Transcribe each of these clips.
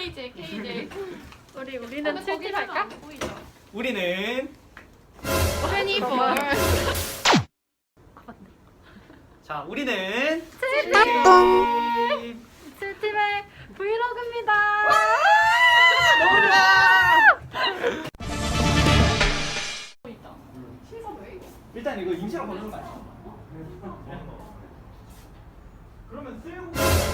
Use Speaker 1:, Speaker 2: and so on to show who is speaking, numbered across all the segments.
Speaker 1: KJ.
Speaker 2: 우리는 칠팁 할까?
Speaker 3: 우리는
Speaker 1: 24.
Speaker 3: 자 우리는
Speaker 2: 칠팁의 브이로그입니다.
Speaker 3: 일단 이거 임시로 걸는 거 아니야? 그러면 쓸고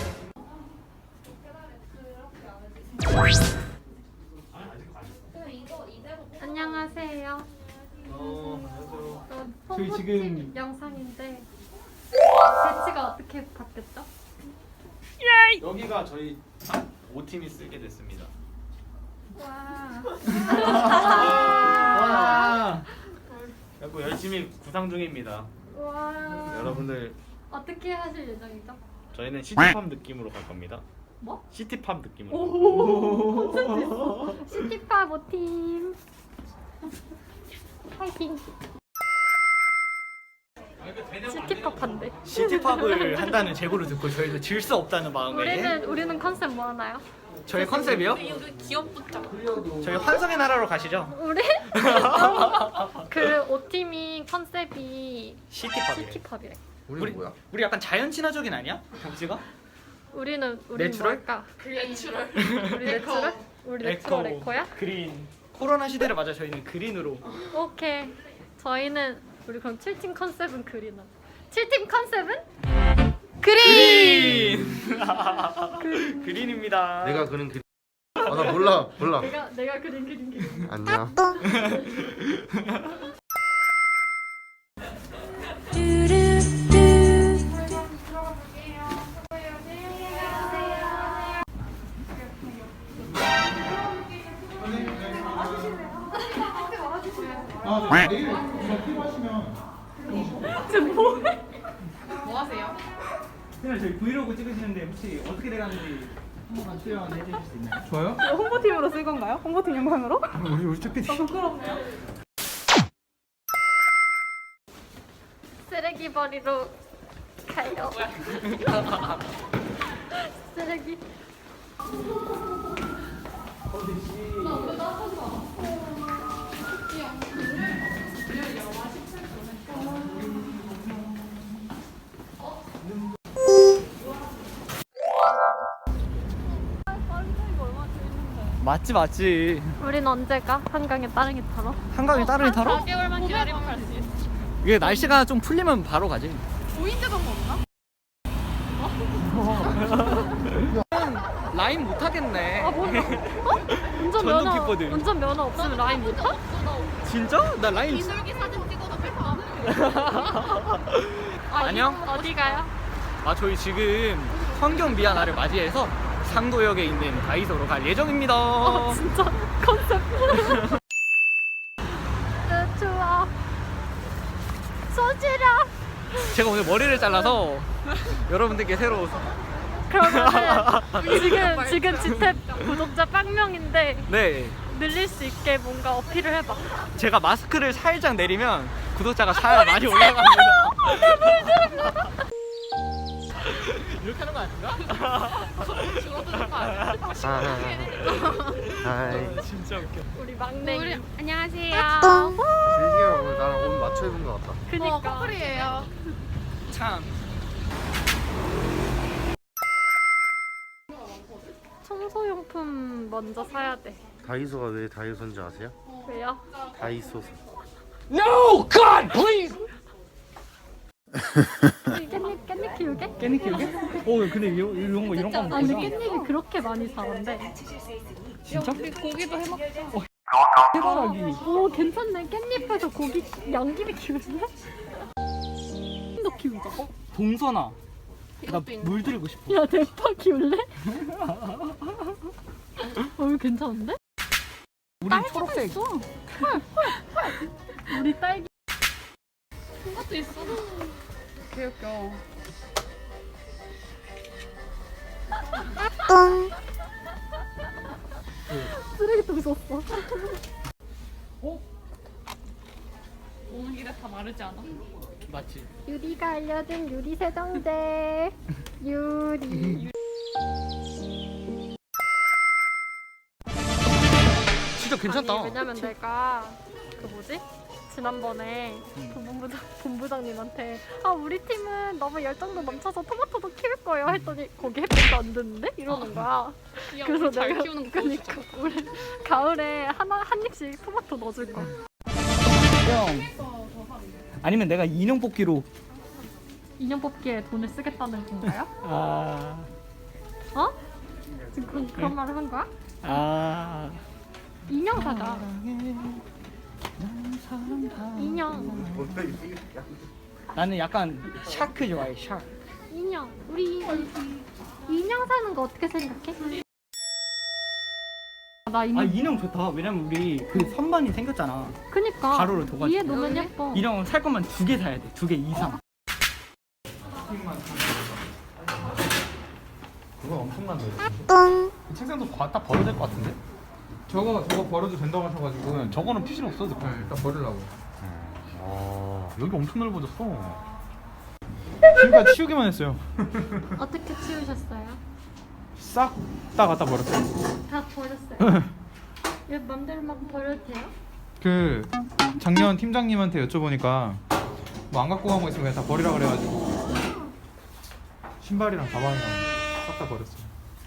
Speaker 2: 안녕하세요.
Speaker 3: 안녕하세요.
Speaker 2: 저희
Speaker 3: 저희 지금
Speaker 2: 영상인데 배치가 어떻게 바뀌었죠?
Speaker 3: 여기가 저희 5팀이 쓰게 됐습니다.
Speaker 2: 와.
Speaker 3: 와. 그리고 열심히 구상 중입니다.
Speaker 2: 와.
Speaker 3: 여러분들
Speaker 2: 어떻게 하실 예정이죠?
Speaker 3: 저희는 시티팝 느낌으로 갈 겁니다.
Speaker 2: 뭐?
Speaker 3: 시티팝 느낌으로.
Speaker 2: 오. 시티팝 5팀. 파이팅. 시티팝한데.
Speaker 3: 시티팝을 한다는 제보를 듣고 저희도 질 수 없다는 마음에
Speaker 2: 우리는 컨셉 뭐 하나요?
Speaker 3: 저희 컨셉이요?
Speaker 1: 여기 귀엽다.
Speaker 3: 저희 환상의 나라로 가시죠.
Speaker 2: 우리 그 5팀이 컨셉이
Speaker 3: 시티팝이래.
Speaker 2: 시티팝이래.
Speaker 3: 우리 약간 자연 친화적인 아니야? 경지가?
Speaker 2: 우리는
Speaker 3: 내추럴?
Speaker 2: 뭘까?
Speaker 1: 내추럴.
Speaker 2: 우리 내추럴? 우리 내추럴 에코야?
Speaker 3: 그린. 코로나 시대를 맞아 저희는 그린으로.
Speaker 2: 오케이. 저희는 우리 그럼 7팀 컨셉은 그린으로. 7팀 컨셉은?
Speaker 3: 그린. 그린입니다.
Speaker 4: 내가 그린 그림. 나 몰라.
Speaker 2: 내가 그린.
Speaker 4: 안녕.
Speaker 1: 뭐 하세요?
Speaker 3: 그냥 저희 브이로그 찍으시는데 혹시 어떻게 돼가는지 한번 출연해 주실 수 있나요?
Speaker 5: 저요?
Speaker 6: 홍보팀으로 쓸 건가요? 홍보팀 영상으로?
Speaker 5: 우리 쭈피디.
Speaker 6: 부끄럽네요.
Speaker 2: 쓰레기 버리러 가요. 쓰레기.
Speaker 3: 맞지.
Speaker 2: 우린 언제 가? 한강에 따릉이 타러?
Speaker 3: 한강에 따릉이 타러?
Speaker 1: 4개월만 기다리면 갈 수 있어.
Speaker 3: 이게 날씨가 좀 풀리면 바로 가지.
Speaker 1: 보인드가 없나?
Speaker 3: 라인 못 하겠네. 전동 킥보드.
Speaker 2: 운전 면허 없으면 라인 못 타?
Speaker 3: 진짜? 나 라인.
Speaker 1: 기술기 사진 찍어도 될까?
Speaker 3: 안녕.
Speaker 2: 어디 가요?
Speaker 3: 저희 지금 환경 미화 날을 맞이해서 상도역에 있는 다이소로 갈 예정입니다.
Speaker 2: 진짜 컨셉. 추워. 소지라.
Speaker 3: 제가 오늘 머리를 잘라서 여러분들께 새로
Speaker 2: 그러면은 지금 지탭 구독자 0명인데
Speaker 3: 네
Speaker 2: 늘릴 수 있게 뭔가 어필을 해봐.
Speaker 3: 제가 마스크를 살짝 내리면 구독자가 많이 올라갑니다. 이렇게 하는 거 아닌가?
Speaker 1: 죽어드는 거 아니야?
Speaker 4: 하이.
Speaker 3: 진짜 웃겨.
Speaker 2: 우리 막내.
Speaker 1: 안녕하세요.
Speaker 4: 슬기가 오늘 나랑 옷 맞춰 입은 것 같다.
Speaker 2: 그니까.
Speaker 1: 커플이에요.
Speaker 3: 참.
Speaker 2: 청소용품 먼저 사야 돼.
Speaker 4: 다이소가 왜 다이소인지 아세요?
Speaker 2: 왜요?
Speaker 4: 다이소서.
Speaker 3: No God please.
Speaker 2: 깻잎 키우게?
Speaker 3: 깻잎 키우게? 근데 이런 거
Speaker 2: 아 근데 깻잎이 그렇게 많이 자란대.
Speaker 3: 진짜?
Speaker 1: 우리 고기도 해먹자.
Speaker 3: 해바라기.
Speaker 2: 오 괜찮네. 깻잎에서 고기 양귀비 키우네? 도 키우자.
Speaker 3: 동선아. 나
Speaker 1: 이것도 있네.
Speaker 3: 물 들고 싶어.
Speaker 2: 야 대파 키울래? 이거 괜찮은데?
Speaker 3: 우리
Speaker 2: 딸기도
Speaker 3: 초록색.
Speaker 2: 있어. 헐. 우리 딸기.
Speaker 1: 이것도 있어. 개웃겨.
Speaker 2: 쓰레기통 썼어.
Speaker 1: 오는 길에 다 마르지 않아?
Speaker 3: 맞지?
Speaker 2: 유리가 알려준 유리 세정제. 유리.
Speaker 3: 괜찮다.
Speaker 2: 아니, 왜냐면 내가 그 뭐지? 지난번에 본부장님한테 우리 팀은 너무 열정도 넘쳐서 토마토도 키울 거예요 했더니 거기 햇빛도 안 드는데? 이러는 거야. 그래서
Speaker 1: 잘
Speaker 2: 내가
Speaker 1: 키우는 거
Speaker 2: 그러니까 우리 가을에 한 입씩 토마토 넣어줄 거야.
Speaker 3: 형. 아니면 내가 인형 뽑기로.
Speaker 2: 인형 뽑기에 돈을 쓰겠다는 건가요?
Speaker 3: 아.
Speaker 2: 어? 지금 그런 말을 한 거야?
Speaker 3: 아.
Speaker 2: 인형 사자. 인형.
Speaker 3: 나는 약간 샤크 좋아해. 샤크.
Speaker 2: 인형. 우리 인형 사는 거 어떻게 생각해? 나 인형.
Speaker 3: 인형 좋다. 왜냐면 우리 그 선반이 생겼잖아.
Speaker 2: 그니까
Speaker 3: 가로로 둬가지고.
Speaker 2: 위에 놓으면 예뻐.
Speaker 3: 인형 살 거면 2개 사야 돼. 2개 이상.
Speaker 4: 그거 엄청난데. 똥. 책상도 딱 버려야 될 것 같은데?
Speaker 5: 저거 버려도 된다고 하셔가지고
Speaker 4: 저거는 필요 없어도 돼.
Speaker 5: 일단 버리려고.
Speaker 4: 여기 엄청 넓어졌어.
Speaker 5: 지금까지 치우기만 했어요.
Speaker 2: 어떻게 치우셨어요?
Speaker 5: 싹 다 갖다 버렸어요.
Speaker 2: 다 버렸어요. 왜 맘대로 막 버려도 돼요?
Speaker 5: 그 작년 팀장님한테 여쭤보니까 뭐 안 갖고 간 거 있으면 그냥 다 버리라 그래가지고 신발이랑 가방이랑 싹 다 버렸어요.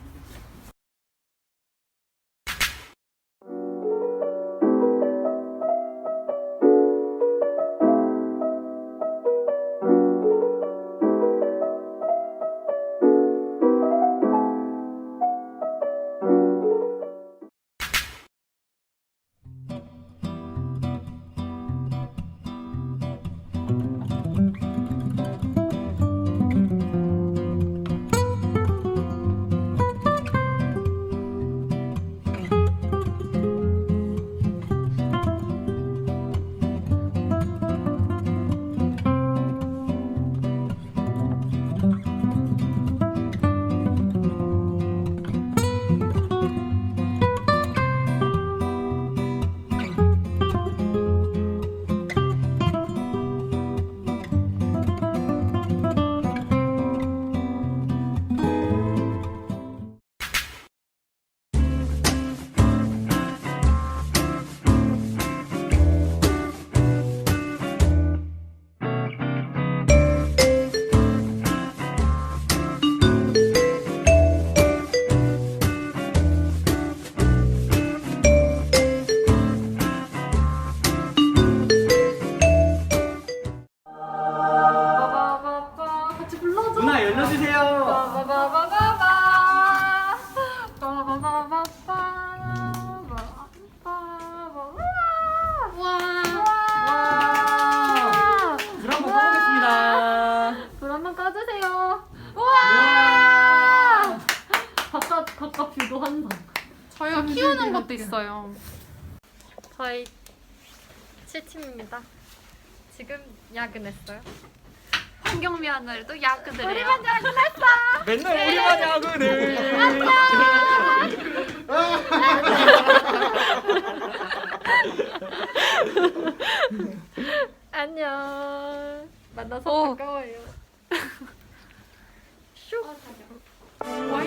Speaker 2: 바바바바 같이 불러줘.
Speaker 3: 누나 열려주세요.
Speaker 2: 바바바바바 바바바바바 와.
Speaker 3: 불 한번 꺼보겠습니다.
Speaker 2: 불 한번 꺼주세요. 우와. 바깥 뷰도 한다.
Speaker 1: 저희가 키우는 것도 있어요.
Speaker 2: 저희 7팀입니다. 지금 야근했어요.
Speaker 1: 환경미화날도 야근을 해요.
Speaker 3: 맨날 우리만 야근을.
Speaker 2: 안녕. 만나서 반가워요. 슉.